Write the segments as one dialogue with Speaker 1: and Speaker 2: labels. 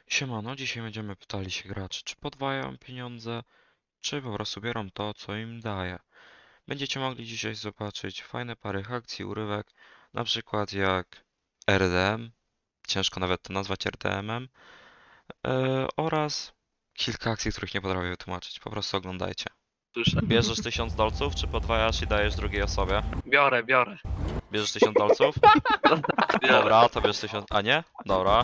Speaker 1: Siemano, dzisiaj będziemy pytali się graczy, czy podwajają pieniądze, czy po prostu biorą to, co im daje. Będziecie mogli dzisiaj zobaczyć fajne pary akcji, urywek, na przykład jak RDM, ciężko nawet to nazwać RDM-em, oraz kilka akcji, których nie potrafię wytłumaczyć. Po prostu oglądajcie.
Speaker 2: Słyszę.
Speaker 1: Bierzesz 1000 dolców, czy podwajasz i dajesz drugiej osobie?
Speaker 2: Biorę.
Speaker 1: Bierzesz 1000 dolców?
Speaker 2: Biorę.
Speaker 1: Dobra, to bierz 1000... A nie? Dobra.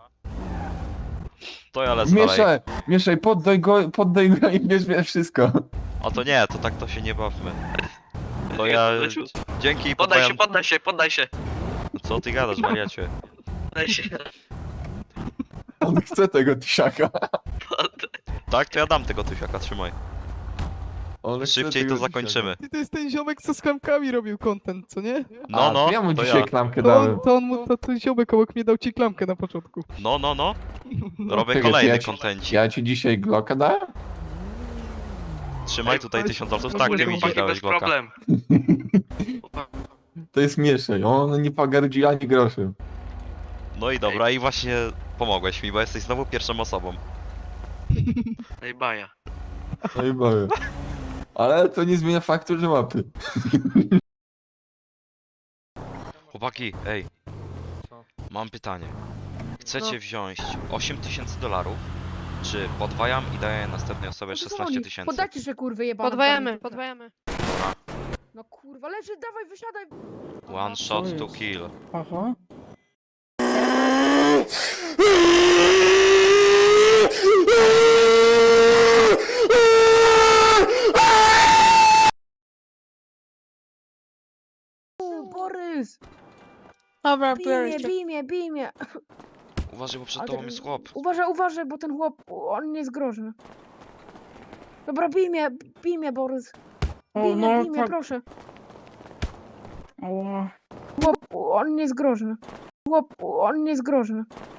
Speaker 1: To ja lecę dalej.
Speaker 3: Mieszaj, poddaj go i bierz wszystko.
Speaker 1: A to nie, to tak to się nie bawmy. To ja...
Speaker 2: Leciu.
Speaker 1: Dzięki i
Speaker 2: Poddaj
Speaker 1: podwajam...
Speaker 2: się, poddaj się.
Speaker 1: Co ty gadasz, wariacie?
Speaker 2: Poddaj się.
Speaker 3: On chce tego tysiaka.
Speaker 1: Tak, to ja dam tego tysiaka, trzymaj.
Speaker 3: On chce
Speaker 1: Szybciej
Speaker 3: tego
Speaker 1: to zakończymy.
Speaker 4: I to jest ten ziomek, co z klamkami robił content, co nie?
Speaker 1: No, no,
Speaker 3: to ja mu
Speaker 1: to
Speaker 3: dzisiaj
Speaker 1: ja.
Speaker 3: klamkę
Speaker 4: To
Speaker 3: dałem.
Speaker 4: ten ziomek obok mnie dał ci klamkę na początku.
Speaker 1: No, no, no. Robię
Speaker 3: Czekaj, to
Speaker 1: kolejny
Speaker 3: ja ci-
Speaker 1: kontencik.
Speaker 3: Ja ci dzisiaj Glocka dałem?
Speaker 1: Trzymaj tutaj
Speaker 4: Ej,
Speaker 1: 1000 dolców.
Speaker 4: no
Speaker 1: Tak,
Speaker 4: bo
Speaker 1: ty mi
Speaker 4: chłopaki
Speaker 1: dziś dałeś
Speaker 2: bez
Speaker 1: bloka.
Speaker 2: problem.
Speaker 3: To jest Mieszaj, on nie pogardzi ani groszy.
Speaker 1: No i dobra, i właśnie pomogłeś mi, bo jesteś znowu pierwszą osobą.
Speaker 2: Ej, baja.
Speaker 3: No i boję. Ale to nie zmienia faktu, że łapy.
Speaker 1: Chłopaki, ej. Mam pytanie. Chcecie wziąć 8000 dolarów, czy podwajam i daję następnej osobie 16 000?
Speaker 5: Podajcie się kurwy jebane.
Speaker 6: Podwajamy.
Speaker 5: No kurwa, leży, dawaj, wysiadaj.
Speaker 1: One shot to kill.
Speaker 4: Aha.
Speaker 5: Borys!
Speaker 6: Dobra,
Speaker 5: Bij mnie.
Speaker 1: Uważaj, bo przed
Speaker 5: Ale
Speaker 1: tobą
Speaker 5: tak-
Speaker 1: jest chłop.
Speaker 5: Uważaj, bo ten chłop, on nie jest groźny. Dobra, bij mnie, Borys. Bij mnie, proszę.
Speaker 4: Ała.
Speaker 5: Chłop, on nie jest groźny. Chłop, on nie jest groźny.